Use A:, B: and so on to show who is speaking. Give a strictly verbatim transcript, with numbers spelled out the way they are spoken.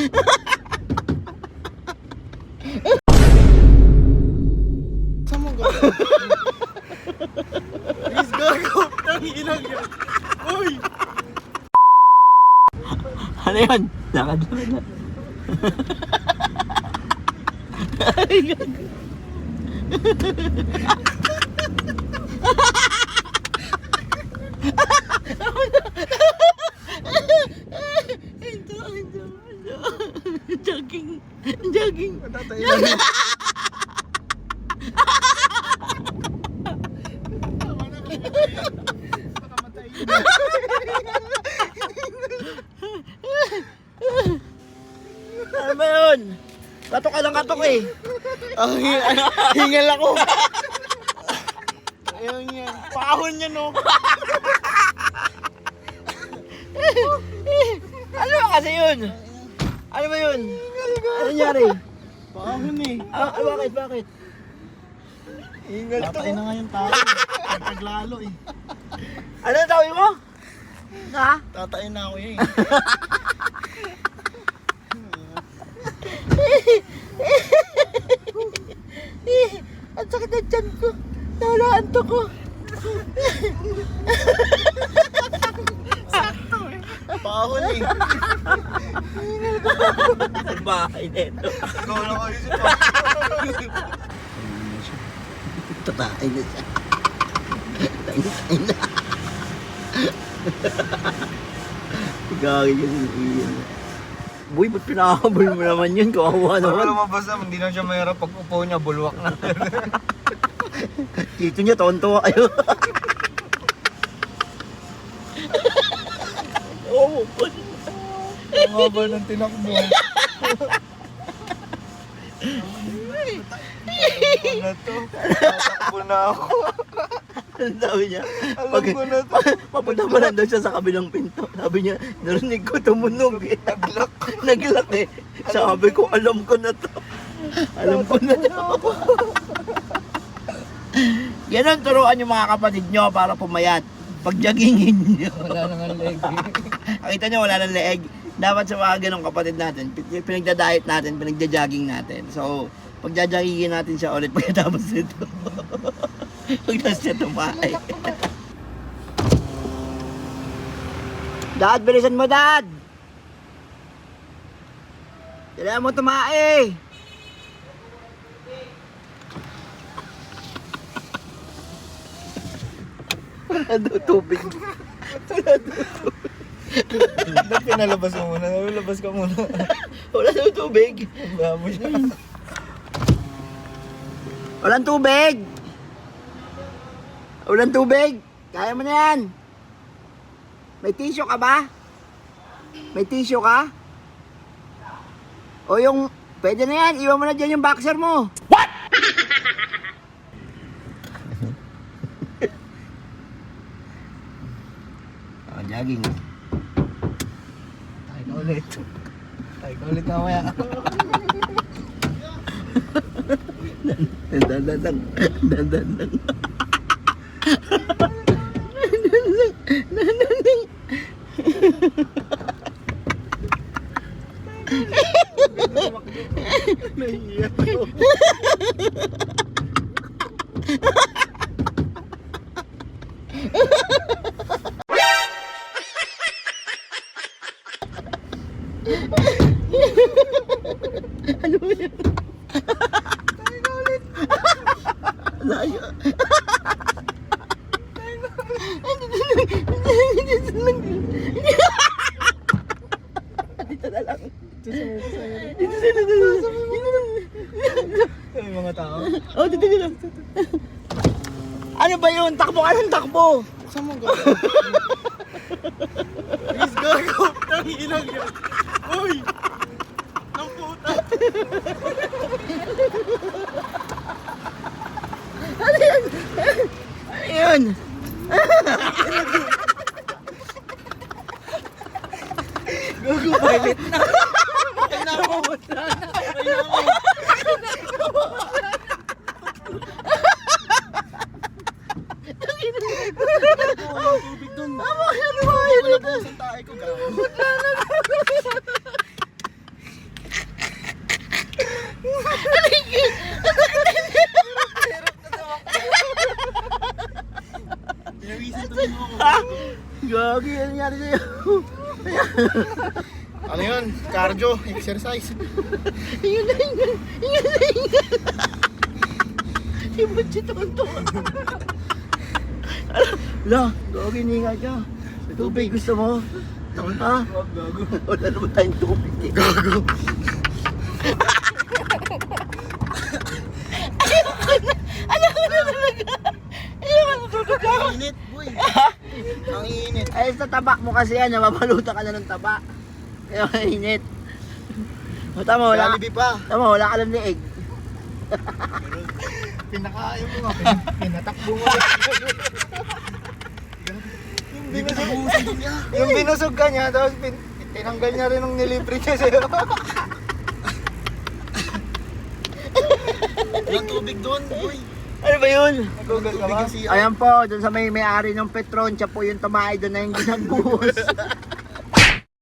A: Saan mo gago? Please gago. Tanginang yan. Uy!
B: Ano yun? Lakad lakad na. Ay, gago. Ito, ito, ito. Jogging. Jogging.
A: Matatailan mo.
B: Ano ba yun? Katok ka ng katok eh.
A: Ang hingal ako. Ayun yan. Pahon yan no.
B: Ano ba kasi yun? Ano ba yun? Ano nangyari?
A: Pahon eh.
B: Ah, ah, bakit? Bakit?
A: Hingal to. Tatay na nga yung tao. Taglalo eh.
B: Ano ang tawag mo? Ha?
A: Tatay na ako eh.
B: Ang sakit ng tiyan ko. Nawalaan to ko.
A: Pahon eh.
B: Ang bahay nito.
A: Ikaw lang kayo sa
B: Tatay na siya. Tatay na. Gagi ka sa iyan. Boy, ba't pinakahabol mo naman yun? Kawawa
A: Para
B: naman.
A: lumabas na, hindi na siya mahirap pag upo niya, bulwak na.
B: Dito niya, tonto kayo. Oo, oh,
A: Ang haba ng tinakbo. Ano na to? Tatakbo na ako.
B: Ano sabi niya?
A: Alam ko na to.
B: Papunta pa lang daw siya sa kabilang pinto. Sabi niya, narinig ko tumunog eh.
A: Naglak.
B: Naglak eh. Sabi ko, alam ko na to. Alam ko na to. Ganon turuan yung mga kapatid nyo para pumayat. Pag-joggingin nyo.
A: Wala nang leg.
B: Nakita nyo, wala ng leeg. Dapat sa mga ganong kapatid natin, pinagda-diet natin, pinagda-jogging natin. So, pagja-joggingin natin siya ulit pagkatapos nito. Pagkatapos siya tumahay. Dad, bilisan mo, Dad! Kailangan mo tumae! Wala daw tubig. Wala daw tubig.
A: Ba't pinalabas mo muna? Nalabas ka muna.
B: Wala daw tubig.
A: Babo siya.
B: Walang tubig! Walang tubig! Kaya mo na yan! May tissue ka ba? May tissue ka? O yung... Pwede na yan, iwan mo na dyan yung boxer mo! What?! Oh, jogging.
A: Tayo ka ulit. Tayo ka ulit mamaya.
B: Dandan lang. Dandan lang. Dandan lang.
A: Nahiya ako.
B: Ano ba yan? Tayo ka ulit. Layo. Dito na lang.
A: Dito sa
B: Dito sa dito sa dito lang.
A: May mga tao.
B: Oh, dito dito. Ano ba yun? Takbo ka ng takbo.
A: Saan mo gago? Please gago. Tanginang yan. Uy! Nang puta.
B: Ano yan? Ano yun?
A: Gago, violet na. Ay na ako. Ay na ako. Walang tubig dun.
B: Ano ba yan? Ano ba yan?
A: Wala po sa tae ko, gago.
B: nangyari sa'yo?
C: Ano yun? Cardio, exercise.
B: Ingat na ingat! Ingat na ingat! Si Butch tonto. La, gawag iningat ka. Tubig gusto mo? Ha? Wala naman tayong tubig eh.
C: Gago.
B: Ayoko na talaga! Ayoko na talaga!
C: Ang init, boy. Ang init.
B: Ay, sa taba mo kasi yan, nababalutan ka na ng taba. Kaya mainit. O, tama, wala,
C: Jollibee pa.
B: tama, wala ka ng liig.
C: Pinakain mo nga. Pinatakbo mo. Yung binusog niya. Yung binusog ka niya, tapos pin tinanggal niya rin ng nilibre niya sa'yo. Walang tubig doon, boy.
B: Ano ba yun?
C: Google ka ba?
B: Ayan po, dun sa may may-ari ng Petron, siya po yung tumahay doon na yung ginagbuhos.